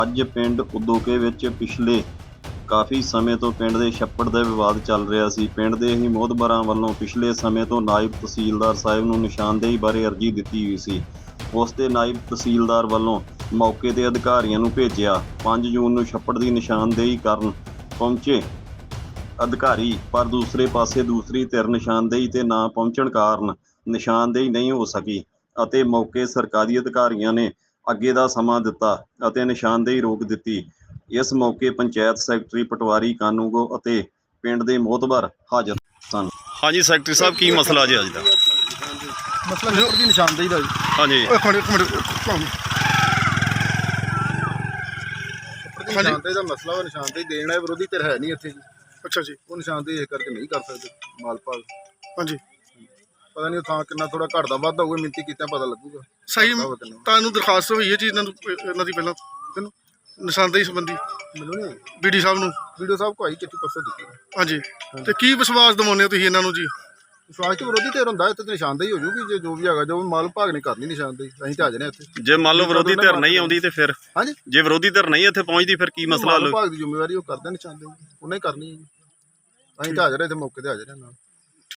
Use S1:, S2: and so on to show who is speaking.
S1: ਅੱਜ ਪਿੰਡ ਉਦੋਕੇ ਵਿੱਚ ਪਿਛਲੇ ਕਾਫੀ ਸਮੇਂ ਤੋਂ ਪਿੰਡ ਦੇ ਛੱਪੜ ਦਾ ਵਿਵਾਦ ਚੱਲ ਰਿਹਾ ਸੀ। ਪਿੰਡ ਦੇ ਹੀ ਮੋਹਤਬਰਾਂ ਵੱਲੋਂ ਪਿਛਲੇ ਸਮੇਂ ਤੋਂ ਨਾਇਬ ਤਹਿਸੀਲਦਾਰ ਸਾਹਿਬ ਨੂੰ ਨਿਸ਼ਾਨਦੇਹੀ ਬਾਰੇ ਅਰਜ਼ੀ ਦਿੱਤੀ ਹੋਈ ਸੀ। ਉਸ ਦੇ ਨਾਇਬ ਤਹਿਸੀਲਦਾਰ ਵੱਲੋਂ ਮੌਕੇ 'ਤੇ ਅਧਿਕਾਰੀਆਂ ਨੂੰ ਭੇਜਿਆ। 5 ਜੂਨ ਨੂੰ ਛੱਪੜ ਦੀ ਨਿਸ਼ਾਨਦੇਹੀ ਕਰਨ ਪਹੁੰਚੇ ਅਧਿਕਾਰੀ, ਪਰ ਦੂਸਰੇ ਪਾਸੇ ਦੂਸਰੀ ਧਿਰ ਨਿਸ਼ਾਨਦੇਹੀ 'ਤੇ ਨਾ ਪਹੁੰਚਣ ਕਾਰਨ ਨਿਸ਼ਾਨਦੇਹੀ ਨਹੀਂ ਹੋ ਸਕੀ ਅਤੇ ਮੌਕੇ ਸਰਕਾਰੀ ਅਧਿਕਾਰੀਆਂ ਨੇ ਅੱਗੇ ਦਾ ਸਮਾਂ ਦਿੱਤਾ ਅਤੇ ਨਿਸ਼ਾਨਦੇਹੀ ਰੋਕ ਦਿੱਤੀ। ਇਸ ਮੌਕੇ ਪੰਚਾਇਤ ਸੈਕਟਰੀ ਪਟਵਾਰੀ ਕਾਨੂੰਗੋ ਅਤੇ ਪਿੰਡ ਦੇ ਮੋਹਤਬਰ ਹਾਜ਼ਰ ਸਨ। ਹਾਂਜੀ ਸੈਕਟਰੀ ਸਾਹਿਬ, ਕੀ ਮਸਲਾ ਜੀ ਅੱਜ ਦਾ?
S2: ਮਸਲਾ ਛੱਪੜ ਦੀ ਨਿਸ਼ਾਨਦੇਹੀ ਦਾ ਜੀ।
S1: ਹਾਂਜੀ
S2: ਨਿਸ਼ਾਨਦੇਹੀ ਦਾ ਮਸਲਾ ਵਾ। ਨਿਸ਼ਾਨਦੇਹੀ ਦੇਣਾ ਹੈ, ਵਿਰੋਧੀ ਧਿਰ ਹੈ ਨਹੀਂ ਇੱਥੇ ਜੀ। ਅੱਛਾ ਜੀ। ਉਹ ਨਿਸ਼ਾਨਦੇਹੀ ਇਹ ਕਰਕੇ ਨਹੀਂ ਕਰ ਸਕਦੇ ਮਾਲਪਾਲ। ਹਾਂਜੀ, ਪਤਾ ਨਹੀਂ ਥਾਂ ਕਿੰਨਾ ਥੋੜਾ ਘਟਦਾ ਵੱਧਦਾ ਹੋਊਗਾ, ਮਿੰਤੀ ਕੀਤਾ ਪਤਾ ਲੱਗੂਗਾ। ਸਹੀ, ਤੁਹਾਨੂੰ ਦਰਖਾਸਤ ਹੋਈ ਹੈ ਜੀ ਇਹਨਾਂ ਦੀ ਪਹਿਲਾਂ ਨਿਸ਼ਾਨਦੇਹੀ ਸੰਬੰਧੀ? ਮੈਨੂੰ ਨਹੀਂ, BD ਸਾਹਿਬ ਨੂੰ। BD ਸਾਹਿਬ ਕੋ ਆਈ ਚਿੱਠੀ ਪਰਸੋਂ ਦਿੱਤੀ। ਹਾਂਜੀ, ਤੇ ਕੀ ਵਿਸ਼ਵਾਸ ਦਿਵਾਉਂਦੇ ਹੋ ਤੁਸੀਂ ਇਹਨਾਂ ਨੂੰ ਜੀ? ਵਿਸ਼ਵਾਸ ਚ ਵਿਰੋਧੀ ਧਿਰ ਹੁੰਦਾ ਇੱਥੇ ਨਿਸ਼ਾਨਦੇਹੀ ਹੋ ਜੂਗੀ। ਜੇ ਜੋ ਵੀ ਹੈਗਾ, ਜੋ ਮਾਲ ਵਿਭਾਗ ਨੇ ਕਰਨੀ ਨਿਸ਼ਾਨਦੇਹੀ, ਅਸੀਂ ਤਾਂ ਹਾਜ਼ਰ ਹਾਂ ਇੱਥੇ।
S1: ਜੇ ਮੰਨ ਲਓ ਵਿਰੋਧੀ ਧਿਰ ਨਹੀਂ ਆਉਂਦੀ ਤੇ ਫਿਰ?
S2: ਹਾਂਜੀ,
S1: ਜੇ ਵਿਰੋਧੀ ਧਿਰ ਨਹੀਂ ਇੱਥੇ ਪਹੁੰਚਦੀ ਫਿਰ ਕੀ ਮਸਲਾ?
S2: ਵਿਭਾਗ ਦੀ ਜ਼ਿੰਮੇਵਾਰੀ ਉਹ ਕਰਦਾ ਨਿਸ਼ਾਨਦੇਹੀ, ਉਹਨੇ ਕਰਨੀ ਹੈ ਜੀ। ਅਸੀਂ ਤਾਂ ਹਾਜ਼ਰ ਹਾਂ ਇੱਥੇ, ਮੌਕੇ ਤੇ ਹਾਜ਼ਰ ਹਾਂ ਨਾਲ।